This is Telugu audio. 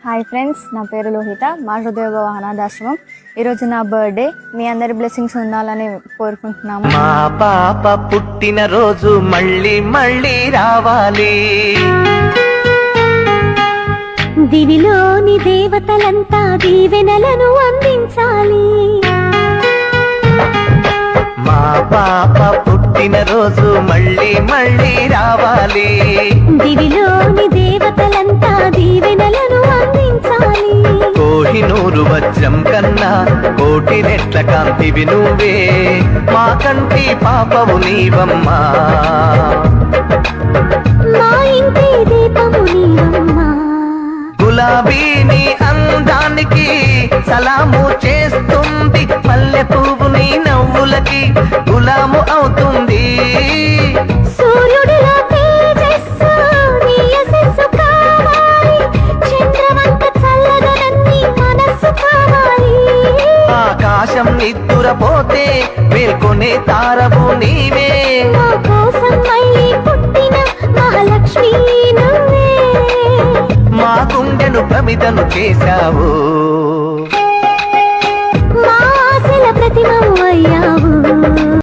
హాయ్ ఫ్రెండ్స్, నా పేరు లోహిత. మా హృదయభవ అనాథాశ్రమం. ఈరోజు నా బర్త్డే. మీ అందరి బ్లెస్సింగ్స్ ఉండాలని కోరుకుంటున్నాము. మా పాప పుట్టిన రోజు మళ్ళీ మళ్ళీ రావాలి. దివిలోని దేవతలంతా దీవెనలను అందించాలి. మా పాప పుట్టిన రోజు మళ్ళీ మళ్ళీ రావాలి. దివిలోని దేవతలంతా దీవెనలను అందించాలి. కోహినూరు వజ్రం కన్నా కోటి రెట్ల కాంతివి నువ్వే, మా కంటి పాపవు నీవమ్మా. మా ఇంటి దీపము నీవమ్మా. గులాబీని అందానికి సలాము చేస్తుంది, మల్లె పువ్వు నీ నవ్వులకి గులాము అవుతుంది. సూర్యుడిలో తేజస్సు నీ యశస్సు కావాలి. చంద్రవంక చల్లదనన్ని మనస్సు కావాలి. ఆకాశం నిద్దురపోతే మేల్కొనే తారవు నీవే, మా కోసం మళ్ళీ పుట్టిన మహాలక్ష్మి నువ్వే. మా గుండెను ప్రమిదను చేశావు. మా ఆశల ప్రతిమవు అయ్యావు.